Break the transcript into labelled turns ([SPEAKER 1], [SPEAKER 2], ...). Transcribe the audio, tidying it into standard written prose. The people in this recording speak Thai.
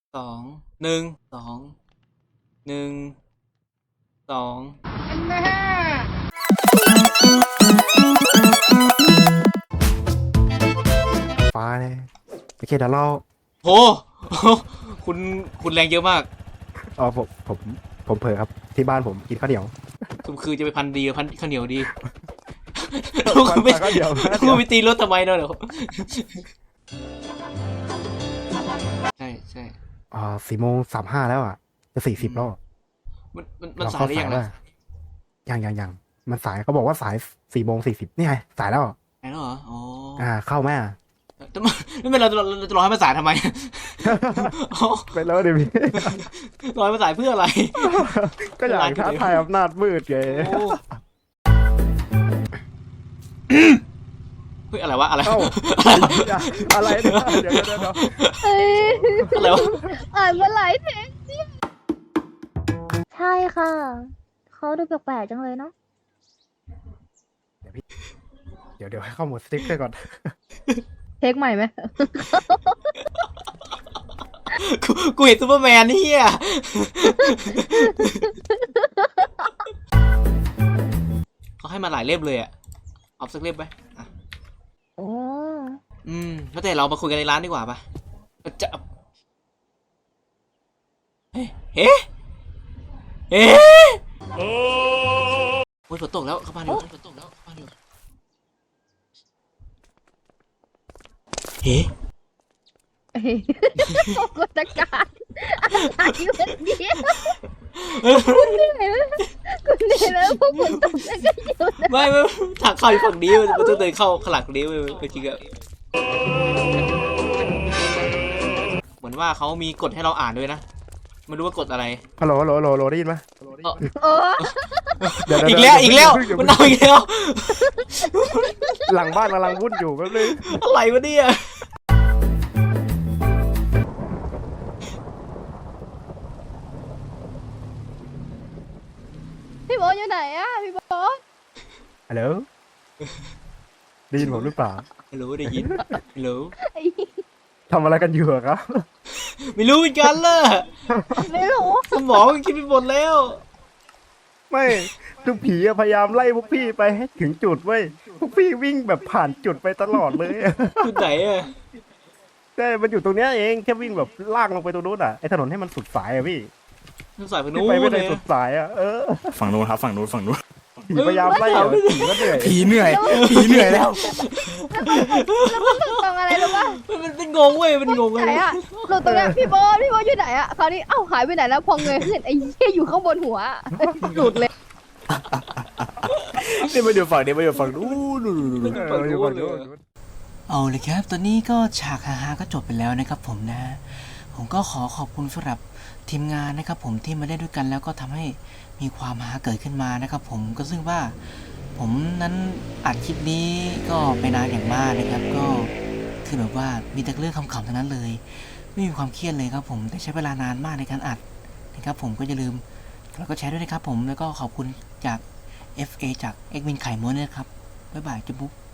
[SPEAKER 1] 2 1 2 1 2
[SPEAKER 2] แม่
[SPEAKER 3] ฟ้าเลยโอเคเดี๋ยวเรา
[SPEAKER 1] โห คุณแรงเยอะมาก
[SPEAKER 3] ผมเผลอครับที่บ้านผมกินข้าวเหนียว
[SPEAKER 1] คุณคือจะไปพันดีหรือพันข้าวเหนียวดีคุณไม่
[SPEAKER 3] ข้าวเหนียว
[SPEAKER 1] คุณไปตีรถทำไมเนาะเดี๋ยวใช่ใช่
[SPEAKER 3] 4:35แล้วอ่ะจะ40แล้ว
[SPEAKER 1] มันสายหรือยังล่ะ
[SPEAKER 3] ยังมันสายเขาบอกว่าสาย4:40นี่ไงสายแล้ว
[SPEAKER 1] สายแล้วเหรออ๋อ
[SPEAKER 3] เข้าแม่
[SPEAKER 1] ไม่เป็นเราจะรอให้มันสายทำไม
[SPEAKER 3] ไปแล้วดิพี่
[SPEAKER 1] รอให้มันสายเพื่ออะไร
[SPEAKER 3] ก็อยากท้าทายอำนาจมืดไง
[SPEAKER 1] โอ้เฮ้ยอะไรวะอะไร
[SPEAKER 3] เอ้าอะไรเนี่ยเดี๋ยว
[SPEAKER 4] เฮ้ย
[SPEAKER 1] อะไรวะ
[SPEAKER 4] อ่านมาหลายเทคใช่ค่ะเขาดูแปลกๆจังเลยเนาะ
[SPEAKER 3] เดี๋ยวให้เข้าหมดสติ๊กเกอร์ก่อน
[SPEAKER 4] เทคใหม่ไหม
[SPEAKER 1] กูเห็นซูเปอร์แมนนี่อ่ะเขาให้มาหลายเล่มเลยอ่ะเอาสักเล่มไหมอ่ะ
[SPEAKER 4] โอ้
[SPEAKER 1] แล้วแต่เรามาคุยกันในร้านดีกว่าปะจะเฮ้เฮ้โอ้ยฝนตกแล้วเข้าบ้านเดี๋ยวฝนตกแล้วเข้าบ้านเดี๋ยวเฮ้
[SPEAKER 4] กดการอะไรแบบนี้คุณเหนื่อยแล้วคุณเหนื่อยแล้วพวกคุณตกใจกันอยู่นะ
[SPEAKER 1] ไม่ทางเข้าอยู่ฝั่งนี้มันต้องเดินเข้าข้างหลังนี้จริงอะเหมือนว่าเขามีกฎให้เราอ่านด้วยนะไม่รู้ว่ากฎอะไร
[SPEAKER 3] ฮัลโหลได้ยินไหม
[SPEAKER 4] โอ้
[SPEAKER 1] อีกแล้วมันเอาอีกแล้ว
[SPEAKER 3] หลังบ้านกำลังวุ่นอยู่แป๊บนึง
[SPEAKER 1] อะไรวะเนี่ย
[SPEAKER 4] พี่โบอสอยู่ไหนอะพี่โบอส
[SPEAKER 3] ฮัลโหลได้ยินผมหรือเปล่า
[SPEAKER 1] ไม่รู้ได้ยินไม่รู้
[SPEAKER 3] ทำอะไรกันอยู่อะครับ
[SPEAKER 1] ไม่รู้เหมือนกันล่ะ
[SPEAKER 4] ไม่รู้
[SPEAKER 1] สมองมันคิดไปหมดแล้ว
[SPEAKER 3] ไม่ทุกผีอะพยายามไล่พวกพี่ไปให้ถึงจุดเว้ยพวกพี่วิ่งแบบผ่านจุดไปตลอดเลย
[SPEAKER 1] จุดไหนอะ
[SPEAKER 3] ใช่มันอยู่ตรงเนี้ยเองแค่วิ่งแบบลากลงไปตรงนู้นอ่ะไอ้ถนนให้มันสุดสายอะพี่
[SPEAKER 1] ต้องใส่ไป
[SPEAKER 3] พี่
[SPEAKER 1] นู้น
[SPEAKER 3] ไปไม่
[SPEAKER 1] เล
[SPEAKER 3] ได้
[SPEAKER 1] ย
[SPEAKER 3] สุดสายอ่ะ
[SPEAKER 5] ฝั่งนู้นครับฝั่งนู้น
[SPEAKER 3] ผีพยายามไล่อะผีก็เหนื่อย
[SPEAKER 5] ผีเหนื่อยแล้ว
[SPEAKER 4] ตรงอะไรรู้ป่ะ
[SPEAKER 1] มันเป็นงงเว้ยมันงง
[SPEAKER 4] ไหน
[SPEAKER 1] เลย
[SPEAKER 4] อะหลุดตรงเนี้ยพี่โบอสอยู่ไหนอะคราวนี้เอ้าหายไปไหนแล้วพอเงยขึ้นไอ้เหี้ยอยู่ข้างบนหัวหลุดเลย
[SPEAKER 5] นี่มาอยู่ฝั่งนี้มาอยู่ฝั่งนู้น
[SPEAKER 3] อยู่ฝั่งนู้น
[SPEAKER 1] เอาเลยครับตอนนี้ก็ฉากฮาๆก็จบไปแล้วนะครับผมนะผมก็ขอขอบคุณสำหรับทีมงานนะครับผมที่มาเล่นด้วยกันแล้วก็ทำให้มีความฮาเกิดขึ้นมานะครับผมก็ซึ่งว่าผมนั้นอัดคลิปนี้ก็ไปนานอย่างมากนะครับก็คือแบบว่ามีแต่เรื่องขำๆทั้งนั้นเลยไม่มีความเครียดเลยครับผมแต่ใช้เวลานานมากในการอัดนะครับผมก็อย่าลืมแล้วก็แชร์ด้วยนะครับผมแล้วก็ขอบคุณจาก FA จากเอ็กวินไข่ม้วนนะครับบ๊ายบายจุ๊บ